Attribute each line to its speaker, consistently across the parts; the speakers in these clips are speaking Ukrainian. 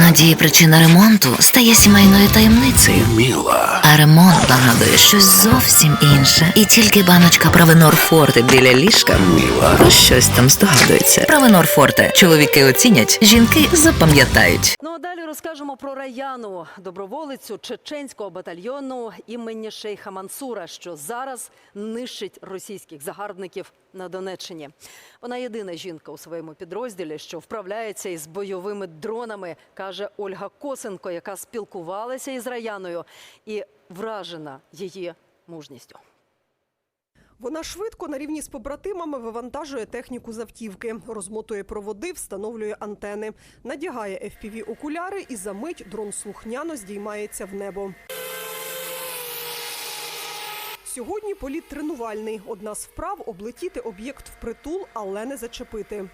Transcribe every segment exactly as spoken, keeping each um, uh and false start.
Speaker 1: Іноді причина ремонту стає сімейною таємницею.
Speaker 2: Міла.
Speaker 1: А ремонт нагадує щось зовсім інше. І тільки баночка Провенор Форте біля ліжка
Speaker 2: Міла.
Speaker 1: про щось там здогадується. Провенор Форте. Чоловіки оцінять, жінки запам'ятають.
Speaker 3: Ну а далі розкажемо про Раяну, доброволицю чеченського батальйону імені Шейха Мансура, що зараз нищить російських загарбників на Донеччині. Вона єдина жінка у своєму підрозділі, що вправляється із бойовими дронами, каже Ольга Косенко, яка спілкувалася із Раяною і вражена її мужністю.
Speaker 4: Вона швидко на рівні з побратимами вивантажує техніку з автівки, розмотує проводи, встановлює антени, надягає еф пі ві-окуляри і за мить дрон слухняно здіймається в небо. Сьогодні політ тренувальний. Одна з вправ – облетіти об'єкт впритул, але не зачепити.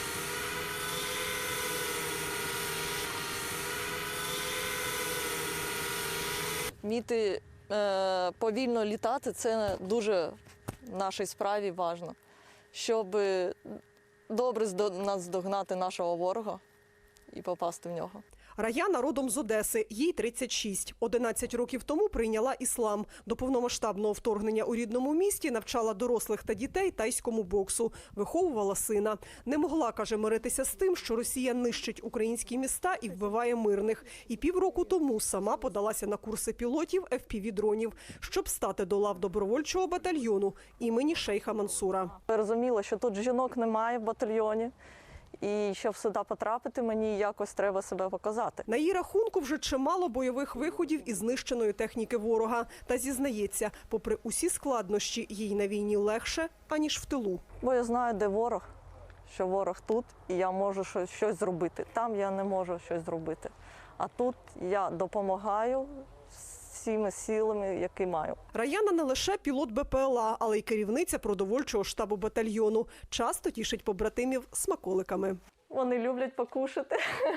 Speaker 5: Вміти е, повільно літати – це дуже в нашій справі важливо, щоб добре наздогнати нашого ворога і попасти в нього.
Speaker 4: Раяна родом з Одеси, їй тридцять шість. одинадцять років тому прийняла іслам. До повномасштабного вторгнення у рідному місті навчала дорослих та дітей тайському боксу, виховувала сина. Не могла, каже, миритися з тим, що Росія нищить українські міста і вбиває мирних. І півроку тому сама подалася на курси пілотів еф пі ві-дронів, щоб стати до лав добровольчого батальйону імені Шейха Мансура.
Speaker 5: Я розуміла, що тут жінок немає в батальйоні. І щоб сюди потрапити, мені якось треба себе показати.
Speaker 4: На її рахунку вже чимало бойових виходів із знищеної техніки ворога. Та зізнається, попри усі складнощі, їй на війні легше, аніж в тилу.
Speaker 5: Бо я знаю, де ворог, що ворог тут, і я можу щось зробити. Там я не можу щось зробити. А тут я допомагаю всіми силами, які маю.
Speaker 4: Раяна не лише пілот бе пе ел а, але й керівниця продовольчого штабу батальйону. Часто тішить побратимів смаколиками.
Speaker 5: Вони люблять покушати.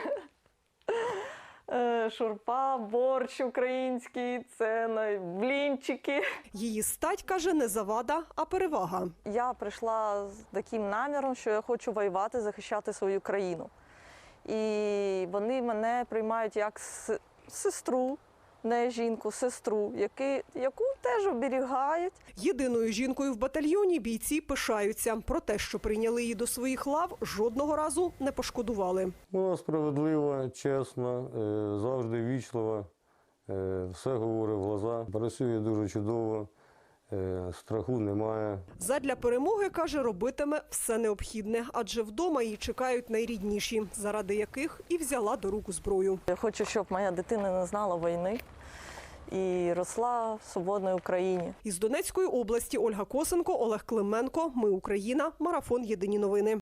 Speaker 5: Шурпа, борщ український, це блінчики.
Speaker 4: Її стать, каже, не завада, а перевага.
Speaker 5: Я прийшла з таким наміром, що я хочу воювати, захищати свою країну. І вони мене приймають як сестру, не жінку, сестру, які, яку теж оберігають.
Speaker 4: Єдиною жінкою в батальйоні бійці пишаються. Про те, що прийняли її до своїх лав, жодного разу не пошкодували.
Speaker 6: Вона справедлива, чесна, завжди вічлива, все говорить в глаза, працює дуже чудово, страху немає.
Speaker 4: Задля перемоги, каже, робитиме все необхідне, адже вдома її чекають найрідніші, заради яких і взяла до рук зброю.
Speaker 5: Я хочу, щоб моя дитина не знала війни і росла в свободній Україні.
Speaker 4: Із Донецької області Ольга Косенко, Олег Клименко. Ми Україна. Марафон. Єдині новини.